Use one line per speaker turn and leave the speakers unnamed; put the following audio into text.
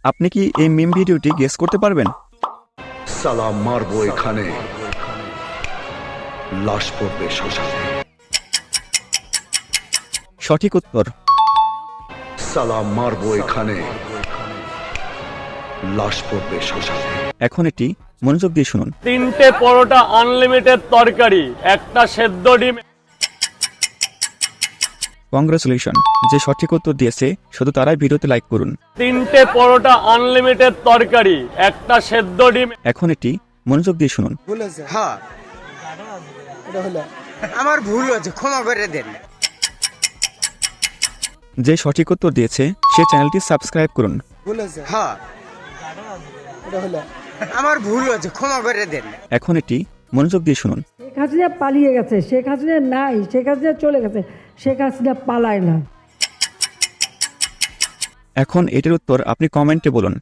আপনি কি এই মিম ভিডিওটি গেস করতে পারবেন?
সালাম মারবো এখানে, লাশ পড়বে শ্মশানে।
সঠিক উত্তর।
সালাম মারবো এখানে, লাশ পড়বে শ্মশানে।
এখন এটি মনোযোগ দিয়ে শুনুন।
3টে পরোটা আনলিমিটেড তরকারি, একটা সেদ্ধ ডিম।
কংগ্রেচুলেশন, যে সঠিক উত্তর দিয়েছে শুধু তারাই ভিডিওতে লাইক করুন।
3টে পরোটা আনলিমিটেড তরকারি, একটা সেদ্ধ ডিম।
এখন এটি মনোযোগ দিয়ে শুনুন।
হ্যাঁ, আমার ভুল হয়েছে, ক্ষমা করে দেন।
যে সঠিক উত্তর দিয়েছে সে চ্যানেলটি সাবস্ক্রাইব করুন।
হ্যাঁ, আমার ভুল হয়েছে, ক্ষমা করে দেন।
এখন এটি মনোযোগ দিয়ে শুনুন।
শেখ হাসিনা পালিয়ে গেছে, শেখ হাসিনা নাই, শেখ হাসিনা চলে গেছে, শেখ হাসিনা পালায় না।
এখন এটির উত্তর আপনি কমেন্টে বলুন।